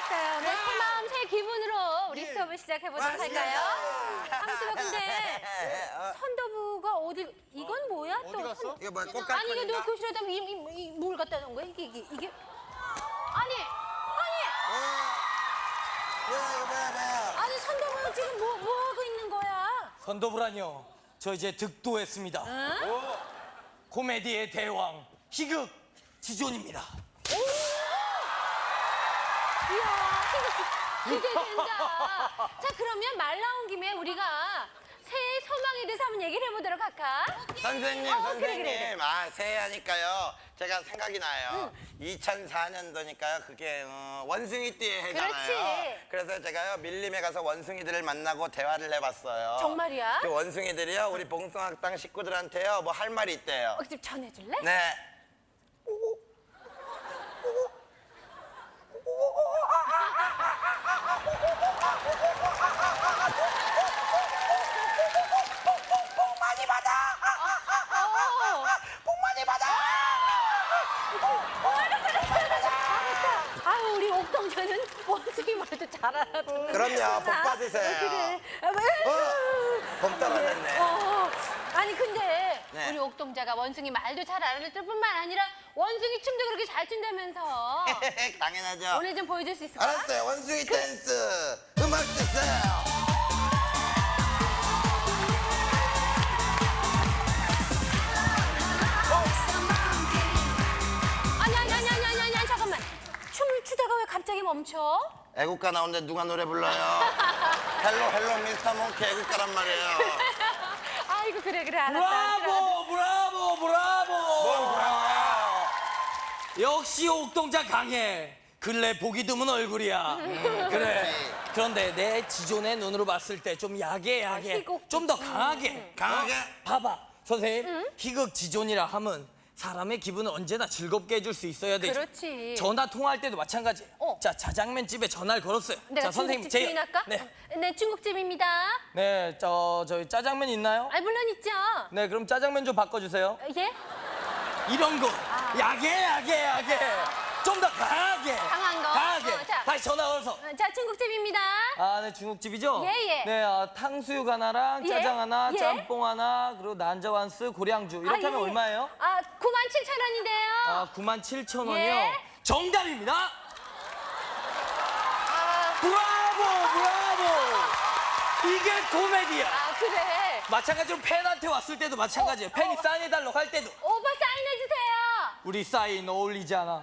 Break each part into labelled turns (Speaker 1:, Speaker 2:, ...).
Speaker 1: 알았어요. 네, 새 마음, 새 기분으로 우리 수업을 시작해보도록 할까요? 함수가 근데 선도부가 어디, 이건 뭐야 또?
Speaker 2: 어디 갔어?
Speaker 3: 이거 뭐야?
Speaker 1: 아니, 이게
Speaker 3: 꽃갈콘인가?
Speaker 1: 너 교실에다 뭘 갖다 놓은 거야? 이게. 아니!
Speaker 3: 뭐야?
Speaker 1: 아니, 선도부 지금 뭐 하고 있는 거야?
Speaker 2: 선도부라뇨. 저 이제 득도했습니다. 코미디의 대왕 희극 지존입니다.
Speaker 1: 이야, 기대된다. 자, 그러면 말 나온 김에 우리가 새해 소망에 대해서 한번 얘기를 해보도록 할까?
Speaker 3: 선생님, 선생님.
Speaker 1: 그래.
Speaker 3: 아, 새해하니까요. 제가 생각이 나요. 2004년도니까요. 그게 원숭이띠의 해잖아요.
Speaker 1: 그렇지.
Speaker 3: 그래서 제가요 밀림에 가서 원숭이들을 만나고 대화를 해봤어요.
Speaker 1: 정말이야?
Speaker 3: 그 원숭이들이요 우리 봉숭아학당 식구들한테요 뭐 할 말이 있대요.
Speaker 1: 좀 전해줄래?
Speaker 3: 네. 복 많이 받아. 복 많이 받아.
Speaker 1: 아유, 우리 옥동자는 원숭이 말도 잘 알아듣는.
Speaker 3: 그럼요. 복 받으세요.
Speaker 1: 그래.
Speaker 3: 복 떨어졌네.
Speaker 1: 아니, 근데
Speaker 3: 네.
Speaker 1: 우리 옥동자가 원숭이 말도 잘 알아듣을 뿐만 아니라 원숭이 춤도 그렇게 잘 춘다면서.
Speaker 3: 당연하죠.
Speaker 1: 오늘 좀 보여줄 수 있을까?
Speaker 3: 알았어요. 원숭이 댄스 음악 주세요.
Speaker 1: 아니, 잠깐만. 춤을 추다가 왜 갑자기 멈춰?
Speaker 3: 애국가 나오는데 누가 노래 불러요? 헬로 미스터 몽키 애국가란 말이에요.
Speaker 1: 아이고, 그래, 알았다.
Speaker 2: 브라보 브라보 브라보.
Speaker 3: 뭘 브라보야?
Speaker 2: 역시 옥동자 강해. 근래 보기 드문 얼굴이야. 그래.
Speaker 3: 그렇지.
Speaker 2: 그런데 내 지존의 눈으로 봤을 때 좀 야게
Speaker 1: 희극.
Speaker 2: 좀 더 강하게.
Speaker 3: 강하게?
Speaker 2: 봐봐 선생님. 희극 지존이라 하면 사람의 기분을 언제나 즐겁게 해줄 수 있어야 되죠.
Speaker 1: 그렇지.
Speaker 2: 전화 통화할 때도 마찬가지. 자, 자장면 집에 전화를 걸었어요.
Speaker 1: 내가
Speaker 2: 자, 선생님
Speaker 1: 중국집 주인할까?
Speaker 2: 네.
Speaker 1: 네, 중국집입니다.
Speaker 2: 네, 저희 짜장면 있나요?
Speaker 1: 아, 물론 있죠.
Speaker 2: 네, 그럼 짜장면 좀 바꿔주세요.
Speaker 1: 예?
Speaker 2: 이런 거. 야게. 좀 더 강하게.
Speaker 1: 강한 거?
Speaker 2: 강하게.
Speaker 1: 자.
Speaker 2: 다시 전화 걸어서.
Speaker 1: 자, 중국집입니다.
Speaker 2: 아, 네, 중국집이죠?
Speaker 1: 예.
Speaker 2: 네, 탕수육 하나랑
Speaker 1: 예,
Speaker 2: 짜장 하나,
Speaker 1: 예.
Speaker 2: 짬뽕 하나, 그리고 난저완스, 고량주. 이렇게 하면 얼마예요?
Speaker 1: 아, 97,000원인데요.
Speaker 2: 아, 97,000원이요?
Speaker 1: 예.
Speaker 2: 정답입니다! 브라보! 이게 코미디야!
Speaker 1: 아, 그래.
Speaker 2: 마찬가지로 팬한테 왔을 때도 마찬가지예요. 팬이 사인해달라고 할 때도.
Speaker 1: 오빠 사인해주세요.
Speaker 2: 우리 사인 어울리지 않아.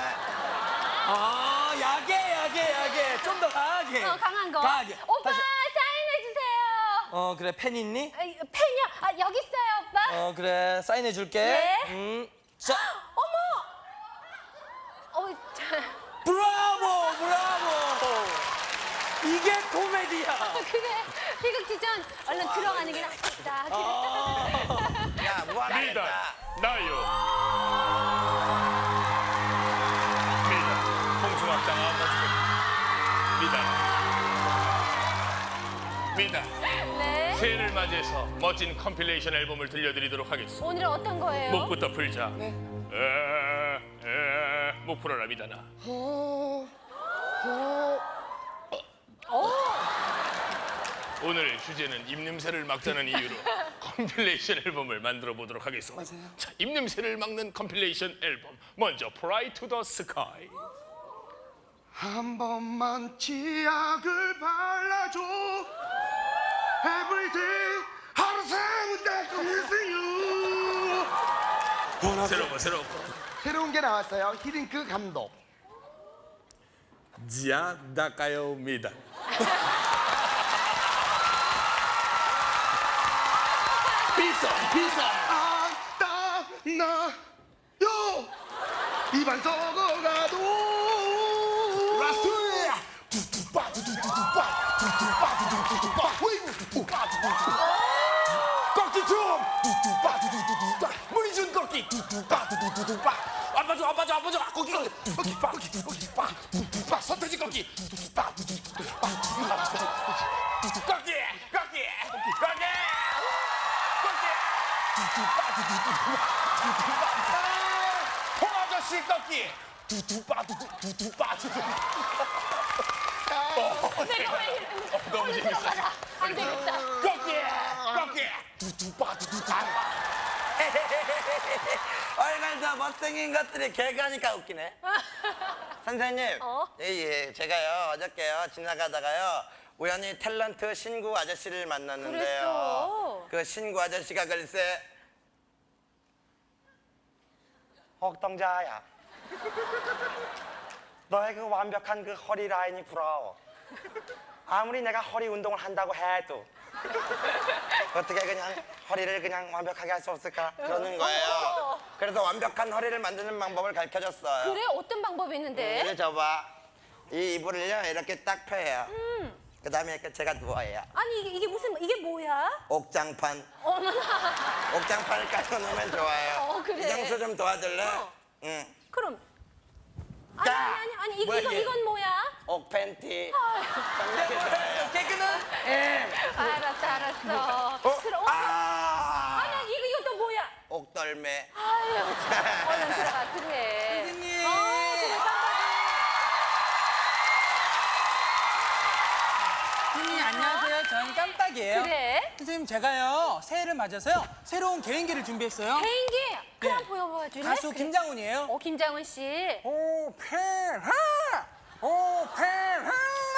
Speaker 2: 아, 야게. 좀 더 강하게.
Speaker 1: 강한 거.
Speaker 2: 강하게.
Speaker 1: 오빠
Speaker 2: 다시.
Speaker 1: 사인해주세요.
Speaker 2: 그래, 팬 있니?
Speaker 1: 팬이요? 아, 여기 있어요, 오빠.
Speaker 2: 그래, 사인해줄게.
Speaker 1: 예.
Speaker 2: 자,
Speaker 1: 자,
Speaker 2: 브라보! 이게 코미디야.
Speaker 1: 그래. 희극지전 얼른 들어가는 게 낫겠다. 그래.
Speaker 3: 야,
Speaker 4: 미달
Speaker 3: 무한하겠다.
Speaker 4: 나요 미달 홍수학당 미달
Speaker 1: 네.
Speaker 4: 새해를 맞이해서 멋진 컴필레이션 앨범을 들려드리도록 하겠습니다.
Speaker 1: 오늘은 어떤 거예요?
Speaker 4: 목부터 풀자. 목 풀어라 미달아. 오늘의 주제는 입냄새를 막자는 이유로 컴필레이션 앨범을 만들어 보도록 하겠습니다.
Speaker 2: 맞아요.
Speaker 4: 자, 입냄새를 막는 컴필레이션 앨범. 먼저 Fly to the Sky.
Speaker 5: 한 번만 치약을 발라줘 Everyday 하루 세운 데
Speaker 4: 새로운
Speaker 5: 새로운 게 나왔어요. 히딩크 감독.
Speaker 4: 지아 닦아요 미달.
Speaker 5: 비싸 나요 입안 썩어가도 라스트 두두빠 꺾기 좀 문희준 꺾기 아빠줘 꺾기 서태지 꺾기 홍아저씨 꺾기
Speaker 1: 내가 왜 이러는 거야?
Speaker 4: 너무 재밌어.
Speaker 1: 들어가라. 안 되겠다.
Speaker 3: 얼굴 못생긴 것들이 개그하니까 웃기네. 선생님,
Speaker 1: 어?
Speaker 3: 예, 제가요 어저께요 지나가다가요 우연히 탤런트 신구 아저씨를 만났는데요.
Speaker 1: 그랬어.
Speaker 3: 그 신구 아저씨가 글쎄 옥동자야. 너의 그 완벽한 그 허리 라인이 부러워. 아무리 내가 허리 운동을 한다고 해도 어떻게 그냥 허리를 그냥 완벽하게 할 수 없을까? 그러는 거예요. 그래서 완벽한 허리를 만드는 방법을 가르쳐줬어요.
Speaker 1: 그래? 어떤 방법이 있는데?
Speaker 3: 이리 줘봐. 이 이불을요 이렇게 딱 펴요. 그 다음에 이렇게 제가 누워요.
Speaker 1: 아니 이게 무슨 이게 뭐야?
Speaker 3: 옥장판.
Speaker 1: 어머나.
Speaker 3: 옥장판을 깔고 놓으면 좋아요.
Speaker 1: 그래.
Speaker 3: 이장수 좀 도와줄래?
Speaker 1: 어.
Speaker 3: 응.
Speaker 1: 그럼
Speaker 3: 자,
Speaker 1: 아니
Speaker 2: 뭐야,
Speaker 1: 이건
Speaker 2: 이게?
Speaker 1: 이건 뭐야?
Speaker 3: 옥팬티.
Speaker 2: 깨끗은
Speaker 1: 알았어. 들어.
Speaker 3: 아!
Speaker 1: 아니 이거 또 뭐야?
Speaker 3: 옥덜매.
Speaker 1: 아유 참. 얼른 들어가 그래.
Speaker 2: 선생님.
Speaker 1: 그래 깜빡이.
Speaker 6: 선생님 안녕하세요. 저는 깜빡이에요.
Speaker 1: 그래?
Speaker 6: 선생님 제가요 새해를 맞아서요 새로운 개인기를 준비했어요.
Speaker 1: 개인기. 그럼
Speaker 6: 네.
Speaker 1: 보여줄래?
Speaker 6: 가수
Speaker 1: 그래.
Speaker 6: 김장훈이에요.
Speaker 1: 김장훈 씨.
Speaker 6: 오페라 오페라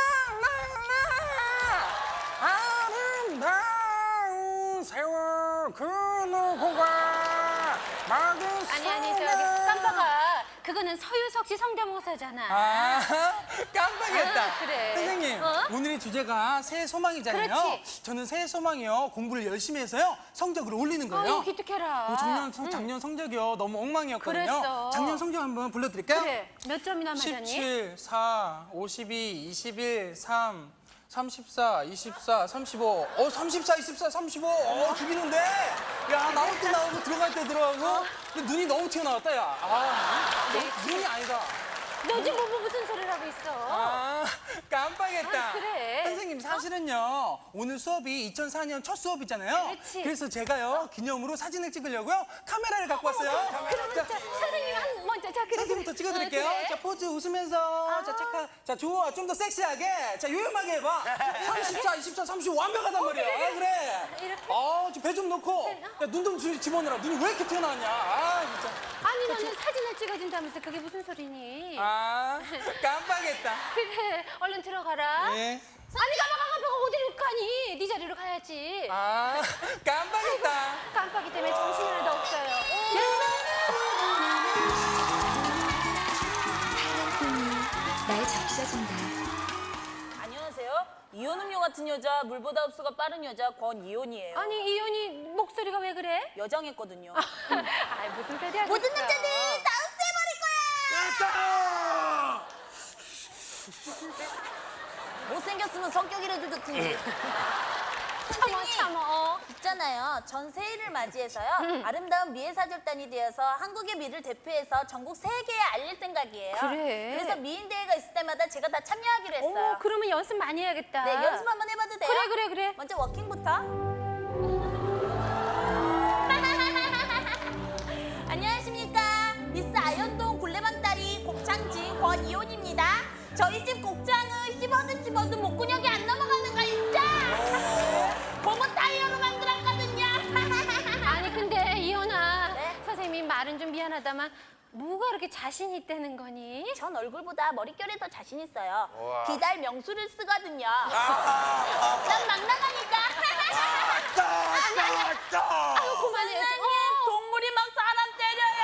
Speaker 6: 아름다운 세월 그 누구가 막은
Speaker 1: 아니 저기 깜빡아. 그거는 서유석 씨 성대모사잖아.
Speaker 6: 아 깜빡이었다.
Speaker 1: 아, 그래.
Speaker 6: 선생님
Speaker 1: 어?
Speaker 6: 오늘의 주제가 새해 소망이잖아요.
Speaker 1: 그렇지.
Speaker 6: 저는 새해 소망이요 공부를 열심히 해서요 성적을 올리는 거예요.
Speaker 1: 이거 기특해라.
Speaker 6: 작년 성적이요 너무 엉망이었거든요.
Speaker 1: 그랬어.
Speaker 6: 작년 성적 한번 불러드릴까요?
Speaker 1: 그래. 몇 점이나 맞았니?
Speaker 6: 17, 4, 52, 21, 3, 34, 24, 35. 34, 24, 35. 죽이는데? 야, 나올 때 나오고 들어갈 때 들어가고. 근데 눈이 너무 튀어나왔다, 야. 눈이 아니다.
Speaker 1: 너 지금 무슨 소리를 하고 있어?
Speaker 6: 아, 깜빡했다.
Speaker 1: 아, 그래.
Speaker 6: 선생님, 사실은요, 오늘 수업이 2004년 첫 수업이잖아요.
Speaker 1: 그렇지.
Speaker 6: 그래서 제가요, 기념으로 사진을 찍으려고요, 카메라를 갖고 왔어요.
Speaker 1: 그러면 자, 선생님 한 먼저 자 그래.
Speaker 6: 사진부터 찍어드릴게요.
Speaker 1: 그래.
Speaker 6: 자, 포즈 웃으면서. 자, 착하. 자, 좋아. 좀 더 섹시하게. 자, 요염하게 해봐. 34, 24, 35 완벽하단 말이야. 그래.
Speaker 1: 이렇게?
Speaker 6: 배 좀 넣고. 야, 눈 좀 집어넣어라. 눈이 왜 이렇게 튀어나왔냐. 아, 진짜.
Speaker 1: 아니 너는 사진을 찍어준다면서 그게 무슨 소리니?
Speaker 6: 아, 깜빡했다.
Speaker 1: 그래 얼른 들어가라.
Speaker 6: 예.
Speaker 1: 아니 가봐가 어디로 가니? 네 자리로 가야지.
Speaker 6: 아, 깜빡했다.
Speaker 1: 깜빡이 때문에 정신이 하나도 없어요.
Speaker 7: 나의 적셔진다.
Speaker 8: 안녕하세요. 이온 음료 같은 여자, 물보다 흡수가 빠른 여자 권이온이에요.
Speaker 1: 아니 이현이 목소리가 왜 그래?
Speaker 8: 여장했거든요.
Speaker 1: 아 무슨 소리 하고
Speaker 8: 모든
Speaker 1: 있어?
Speaker 8: 남자들 다 없애버릴 거야! 못생겼으면 성격이라도 좋든지.
Speaker 1: 참어.
Speaker 8: 있잖아요. 전 새해를 맞이해서요. 아름다운 미애사절단이 되어서 한국의 미를 대표해서 전국 세계에 알릴 생각이에요.
Speaker 1: 그래.
Speaker 8: 그래서 미인대회가 있을 때마다 제가 다 참여하기로 했어요.
Speaker 1: 그러면 연습 많이 해야겠다.
Speaker 8: 네, 연습 한번 해봐도 돼요?
Speaker 1: 그래.
Speaker 8: 먼저 워킹부터. 안녕하십니까. 미스 아현동 굴레방다리 곱창진 권이온입니다. 저희 집 곱창은 씹어도 목구녕이 안 넘어가는 거 있죠? 고무 타이어로 만들었거든요.
Speaker 1: 아니 근데 이현아
Speaker 8: 네?
Speaker 1: 선생님이 말은 좀 미안하다만 뭐가 그렇게 자신 있다는 거니?
Speaker 8: 전 얼굴보다 머릿결에 더 자신 있어요. 기달 명수를 쓰거든요.
Speaker 3: 아,
Speaker 8: 난 막 나가니까.
Speaker 1: 아유 그만해.
Speaker 8: 선생님, 동물이 막 사람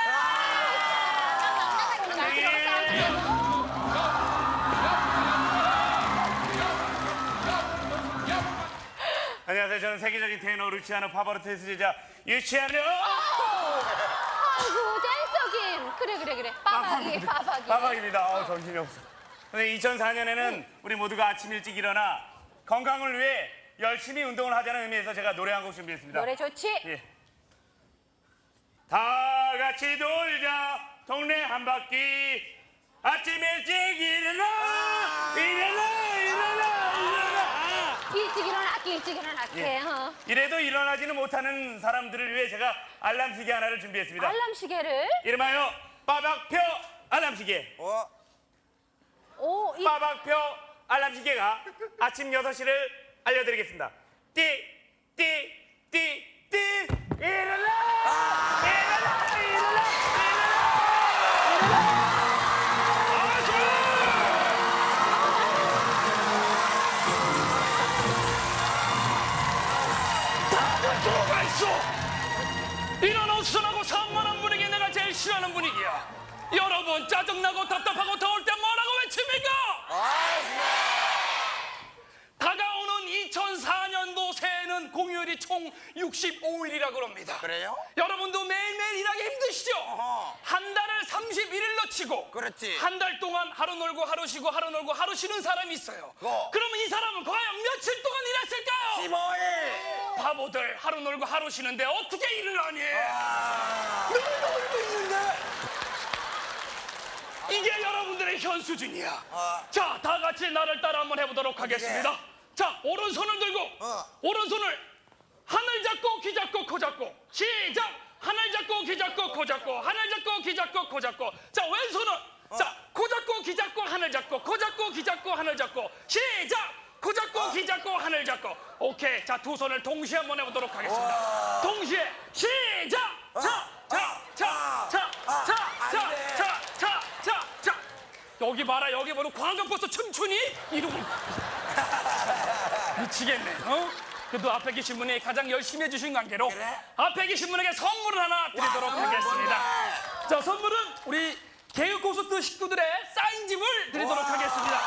Speaker 8: 때려요.
Speaker 9: 안녕하세요. 저는 세계적인 테너 루치아노 파바로티의 제자 유치아노.
Speaker 1: 아이고 댄서김. 그래. 빠박이.
Speaker 9: 빠박입니다. 정신이 없어. 근데 2004년에는 우리 모두가 아침 일찍 일어나 건강을 위해 열심히 운동을 하자는 의미에서 제가 노래 한 곡 준비했습니다.
Speaker 1: 노래 좋지?
Speaker 9: 예. 다 같이 돌자 동네 한 바퀴 아침 일찍 일어나
Speaker 1: 일찍 일어날게. 어.
Speaker 9: 이래도 일어나지는 못하는 사람들을 위해 제가 알람 시계 하나를 준비했습니다.
Speaker 1: 알람 시계를.
Speaker 9: 이름하여 빠박표 알람 시계.
Speaker 1: 오, 이
Speaker 9: 빠박표 알람 시계가 아침 6시를 알려드리겠습니다. 띠, 띠, 띠, 띠. 일어나! 일어나! 일어나!
Speaker 4: 들어가 있어. 이런 어수선하고 산만한 분위기 내가 제일 싫어하는 분위기야. 여러분 짜증나고 답답하고 더울 때 뭐라고 외칩니까? 다가오는 2004년도 새해는 공휴일이 총 65일이라고 합니다.
Speaker 3: 그래요?
Speaker 4: 여러분도 매일매일 일하기 힘드시죠? 한 달을 31일로 치고
Speaker 3: 그렇지.
Speaker 4: 한 달 동안 하루 놀고 하루 쉬고 하루 놀고 하루 쉬는 사람이 있어요. 그러면 이 사람은 과연 며칠 동안 일했을까요?
Speaker 3: 15일.
Speaker 4: 바보들 하루 놀고 하루 쉬는데 어떻게 일을 하니? 이게 여러분들의 현 수준이야. 자, 다 같이 나를 따라 한번 해보도록 하겠습니다. 자, 오른손을 들고 오른손을 하늘 잡고 귀 잡고 코 잡고 시작. 하늘 잡고 귀 잡고 코 잡고 하늘 잡고 귀 잡고 코 잡고. 자, 왼손은 자, 코 잡고 귀 잡고 하늘 잡고 코 잡고 귀 잡고 하늘 잡고 시작. 코 잡고 귀 잡고 하늘 잡고. 오케이. 자, 두 손을 동시에 한번 해보도록 하겠습니다. 동시에 시작. 자. 여기 봐라. 여기 보면 광각버스 춤추니? 이러고 미치겠네. 그래도 앞에 계신 분이 가장 열심히 해주신 관계로 앞에 계신 분에게 선물을 하나 드리도록 하겠습니다. 자, 선물은 우리 개그 콘서트 식구들의 사인집을 드리도록 하겠습니다.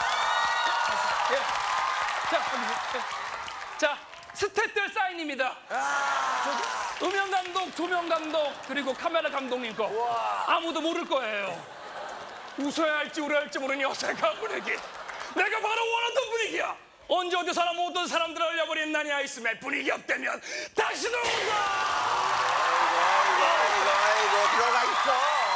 Speaker 4: 자, 스태프들 사인입니다. 음영 감독, 조명 감독, 그리고 카메라 감독님 거. 아무도 모를 거예요. 웃어야 할지 울어야 할지 모르니 어색한 분위기. 내가 바로 원하던 분위기야. 언제 어디서나 모든 사람들을 얼려버린 나니아 있음에 분위기 없다면 다시 들어온다.
Speaker 3: 아이고, 들어가 있어.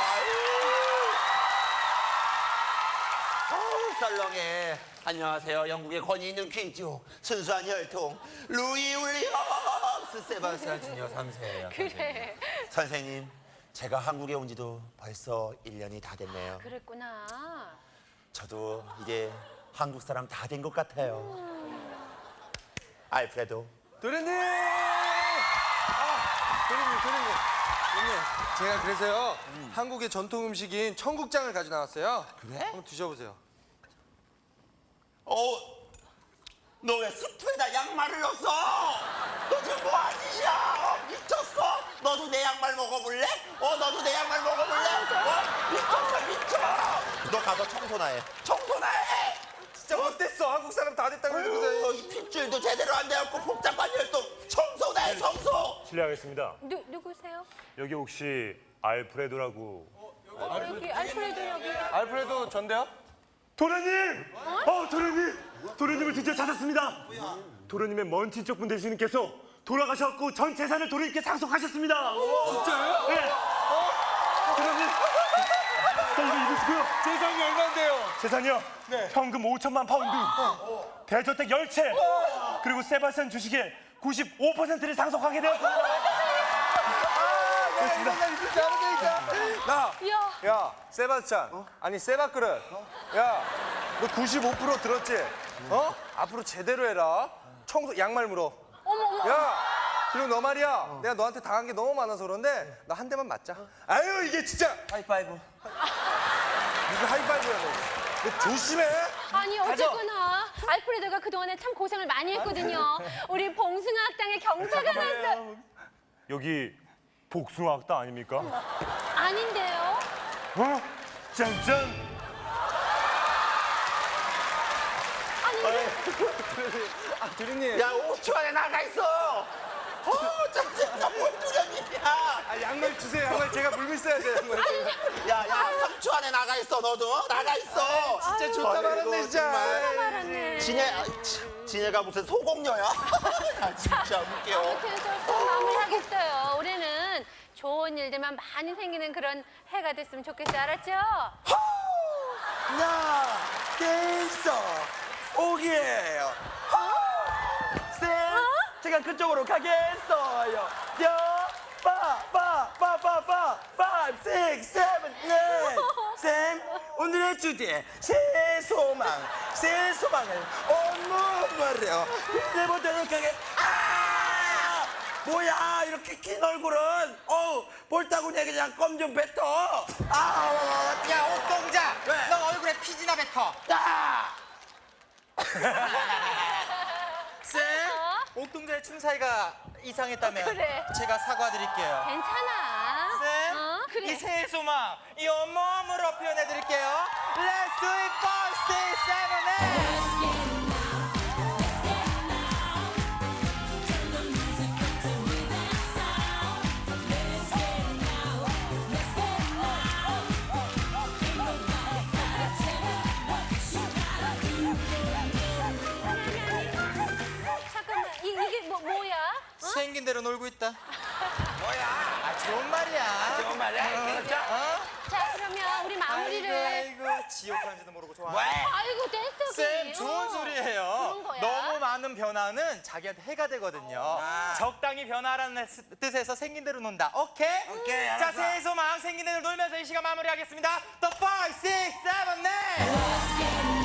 Speaker 3: 썰렁해. 안녕하세요. 영국의 권위 있는 귀족, 순수한 혈통, 루이 윌리엄스 세바스찬 주니어 3세예요.
Speaker 1: 그래.
Speaker 3: 선생님, 제가 한국에 온 지도 벌써 1년이 다 됐네요.
Speaker 1: 그랬구나.
Speaker 3: 저도 이제 한국 사람 다 된 것 같아요. 알프레도.
Speaker 6: 도련님! 도련님, 제가 그래서요 한국의 전통 음식인 청국장을 가져 나왔어요.
Speaker 3: 그래?
Speaker 6: 한번 드셔보세요.
Speaker 3: 너 왜 수트에다 양말을 넣었어? 너 지금 뭐 하는 짓이야? 미쳤어? 너도 내 양말 먹어볼래? 너도 내 양말 먹어볼래? 미쳐. 너 가서 청소나 해. 청소나 해!
Speaker 6: 진짜 어땠어? 한국 사람 다 됐다고 그러는데.
Speaker 3: 이 핏줄도 제대로 안 되었고 복잡한 혈통 청소나 해, 청소!
Speaker 9: 실례하겠습니다.
Speaker 1: 누구세요?
Speaker 9: 여기 혹시 알프레도라고?
Speaker 1: 여기 알프레도 여기.
Speaker 6: 알프레도 전데요?
Speaker 9: 도련님! 도련님을 드디어 찾았습니다. 도련님의 먼 친척분 되시는 께서 돌아가셨고 전 재산을 도련님께 상속하셨습니다.
Speaker 6: 진짜요?
Speaker 9: 네. 도련님! 자, 이거 입으시고요.
Speaker 6: 재산이 얼마인데요?
Speaker 9: 재산이요?
Speaker 6: 네.
Speaker 9: 현금 5천만 파운드, 대저택 10채, 그리고 세바스찬 주식의 95%를 상속하게 되었습니다.
Speaker 6: 나 진짜 안 되니까. 야, 세바스찬. 아니, 세바그릇. 야, 너 95% 들었지? 앞으로 제대로 해라. 청소, 양말 물어. 야, 그리고 너 말이야. 내가 너한테 당한 게 너무 많아서 그런데 나 한 대만 맞자. 아유, 이게 진짜.
Speaker 3: 하이파이브.
Speaker 6: 무슨 하이파이브야, 너 조심해.
Speaker 1: 아니 어쨌거나 알프레도가 그동안에 참 고생을 많이 했거든요. 우리 봉숭아학당의 경사가 났어.
Speaker 9: 여기 복숭아학당 아닙니까?
Speaker 1: 아닌데요?
Speaker 9: 짠짠!
Speaker 6: 도련님.
Speaker 3: 야, 5초 안에 나가 있어! 짠짠, 뭘 두려움이야!
Speaker 6: 양말 주세요. 양말 제가 물고 있어야 돼요. 양말.
Speaker 3: 야, 3초 안에 나가 있어, 너도. 나가 있어!
Speaker 6: 진짜 좋다 말았네, 진짜.
Speaker 1: 말았네.
Speaker 3: 지네가 무슨 소공녀야? 진짜 웃겨.
Speaker 1: 아무튼 또 마무리하겠어요. 올해는 좋은 일들만 많이 생기는 그런 해가 됐으면 좋겠어요. 알았죠?
Speaker 3: 나 댄서 오기예요. 쌤, 제가 그쪽으로 가겠어요. 빠, 5, 6, 7, 8. 쌤, 오늘의 주제 새해 소망. 새해 소망을 온몸으로 빌려보도록 하겠습니다. 아! 뭐야 이렇게 긴 얼굴은 볼따구니에 그냥 껌 좀 뱉어.
Speaker 6: 야 옥동자
Speaker 3: 왜?
Speaker 6: 너 얼굴에 피지나 뱉어. 쌤 옥동자의 춤 사이가 이상했다면
Speaker 1: 그래.
Speaker 6: 제가 사과드릴게요.
Speaker 1: 괜찮아.
Speaker 6: 쌤,
Speaker 1: 그래.
Speaker 6: 이 새해 소망 이 온몸으로 표현해드릴게요. Let's do it, 5, 6, 7, 8.
Speaker 1: 잠깐만, 이게 뭐야?
Speaker 6: 생긴 대로 놀고 있다.
Speaker 3: 뭐야?
Speaker 6: 아, 좋은 말이야.
Speaker 3: 좋은 말이야. 그렇죠?
Speaker 1: 자, 그러면 우리 마무리를.
Speaker 6: 아이고, 지옥하는지도 모르고 좋아.
Speaker 3: 왜?
Speaker 1: 아이고, 댄스.
Speaker 6: 쌤, 좋은 소리예요.
Speaker 1: 그런 거야.
Speaker 6: 너무 많은 변화는 자기한테 해가 되거든요. 적당히 변화라는 뜻에서 생긴 대로 논다. 오케이?
Speaker 3: 오케이,
Speaker 6: 자,
Speaker 3: 알았어.
Speaker 6: 새해 소망 생긴 대로 놀면서 이 시간 마무리하겠습니다. The 5, 6, 7, 8.